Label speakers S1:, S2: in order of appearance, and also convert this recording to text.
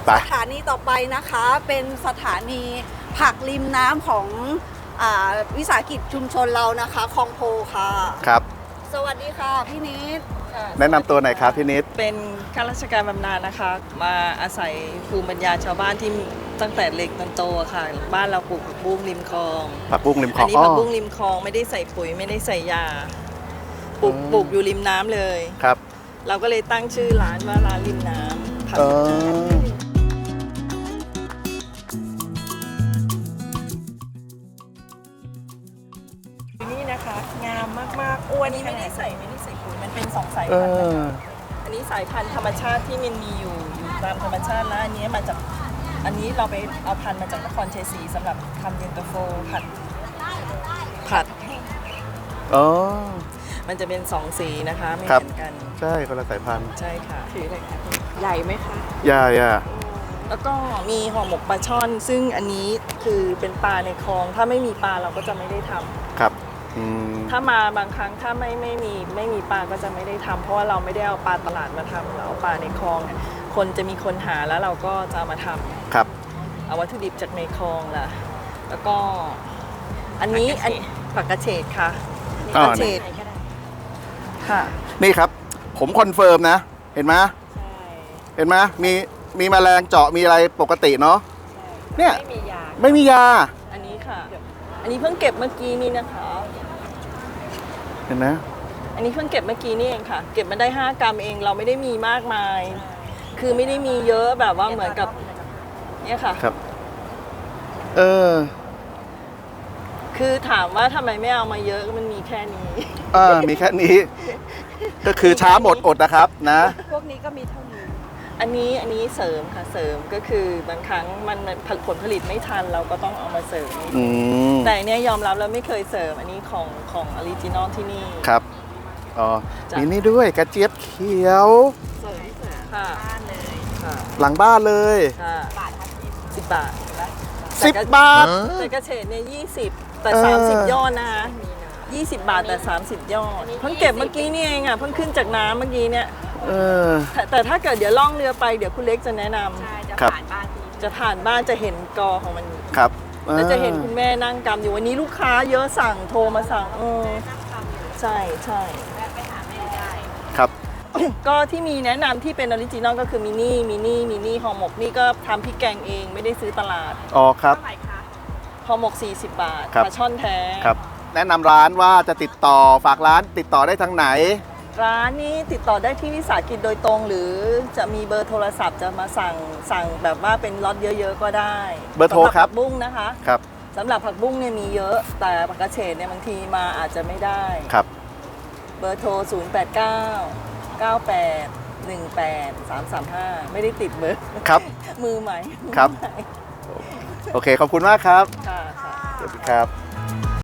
S1: สถานีต่อไปนะคะเป็นสถานีผักริมน้ำของวิสาหกิจชุมชนเรานะคะคลองโพค่ะ
S2: ครับ
S1: สวัสดีค่ะพี่นิด
S2: แนะนำตัวหน่อยครับพี่นิด
S3: เป็นข้าราชการบำนาญนะคะมาอาศัยภูมิปัญญาชาวบ้านที่ตั้งแต่เล็กจนโตค่ะบ้านเราปลูกผักบุ้งริมคลอง
S2: ผักบุ้งริมคลอง
S3: อันนี้ผักบุ้งริมคลองไม่ได้ใส่ปุ๋ยไม่ได้ใส่ยาปลูกอยู่ริมน้ำเลย
S2: ครับ
S3: เราก็เลยตั้งชื่อร้านว่าร้านริมน้ำผักนี่นะคะงามมากๆอ้วนนี้ไม่ได้ใส่ปุ๋ยมันเป็น2 สายพันธุ์อันนี้สายพันธุ์ธรรมชาติที่มันมีอยู่ตามธรรมชาติแล้วอันนี้มาจากอันนี้เราไปเอาพันธุ์มาจากนครชัยศรีสำหรับทำเย็นตาโฟผัดมันจะเป็น2 สีนะคะไม่เหมือนกัน
S2: ใช่คนละสายพันธุ์
S3: ใช่ค่ะถืออะไรคะใหญ่ไหมคะ
S2: ใหญ่
S3: แล้วก็มีห่อหมกปลาช่อนซึ่งอันนี้คือเป็นปลาในคลองถ้าไม่มีปลาเราก็จะไม่ได้ทำ
S2: ครับ
S3: ถ้ามาบางครั้งถ้าไม่มีปลาก็จะไม่ได้ทำเพราะว่าเราไม่ได้เอาปลาตลาดมาทำเราเอาปลาในคลองคนจะมีคนหาแล้วเราก็จะเอามาทำ
S2: ครับ
S3: เอาวัตถุดิบจากในคลองล่ะแล้วก็อันนี้ผักกระเฉดค่ะกระเฉดค่ะ
S2: นี่ครับผมคอนเฟิร์มนะเห็นไหมเห็นไหมมีแมลงเจาะมีอะไรปกติเนาะเนี่ยไม่มียา
S3: อันนี้ค่ะอันนี้เพิ่งเก็บเมื่อกี้นี่นะคะ
S2: เห็นไหม
S3: อันนี้เพิ่งเก็บเมื่อกี้นี่เองค่ะเก็บมาได้5 กรัมเองเราไม่ได้มีมากมายคือไม่ได้มีเยอะแบบว่าเหมือนกับเนี่ยค่ะ
S2: ครับ
S3: คือถามว่าทำไมไม่เอามาเยอะมันมีแค่นี้
S2: มีแค่นี้ก็คือช้าหมดอดนะครับนะ
S1: พวกนี้ก็มีเท่านี้
S3: อันนี้เสริมค่ะเสริมก็คือบางครั้งมันผลผลิตไม่ทันเราก็ต้องเอามาเสริมแต่เนี่ยยอมรับแล้วไม่เคยเสริมอันนี้ของออริจินอลที่นี่
S2: ครับมีนี่ด้วยกระเจี๊ยบเขียว
S3: เสริมค่ะ
S2: หลังบ้านเลย
S3: 10 บาท
S2: 10 บาท
S3: แต่กระเฉดเนี่ย20แต่30 ยอดนะคะ20 บาทแต่30 ยอดเพิ่งเก็บเมื่อกี้นี่เองอ่ะเพิ่งขึ้นจากน้ำเมื่อกี้เนี่ยแต่ถ้าเกิดเดี๋ยวล่องเรือไปเดี๋ยวคุณเล็กจะแนะนำ
S1: จะผ่านบ้าน
S3: จะเห็นกอของมัน
S2: ครับ
S3: แล้วจะเห็นคุณแม่นั่งกำอยู่วันนี้ลูกค้าเยอะสั่งโทรมาสั่งใช่
S1: ไปหาแม่ได้
S2: ครับ
S3: ก็ที่มีแนะนำที่เป็นออริจินอลก็คือมินี่ห่อหมกนี่ก็ทำพริกแกงเองไม่ได้ซื้อตลาด
S2: ครับ
S3: ห่อหมก40 บาทปลาช่อนแท้
S2: ครับแนะนำร้านว่าจะติดต่อฝากร้านติดต่อได้ทางไหน
S3: ร้านนี้ติดต่อได้ที่วิสาหกิจโดยตรงหรือจะมีเบอร์โทรศัพท์จะมาสั่งแบบว่าเป็นล็อตเยอะๆก็ได้
S2: เบอร์โทรครับ
S3: ผักบุ้งนะคะ
S2: ครับ
S3: สำหรับผักบุ้งเนี่ยมีเยอะแต่ผักกระเฉดเนี่ยบางทีมาอาจจะไม่ได้
S2: ครับ
S3: เบอร์โทร08998183335ไม่ได้ติดเบอร์
S2: ครับ
S3: มือใหม่
S2: ครับโอเคขอบคุณมากครับ
S3: ค่ะ
S2: สวัสดีครับ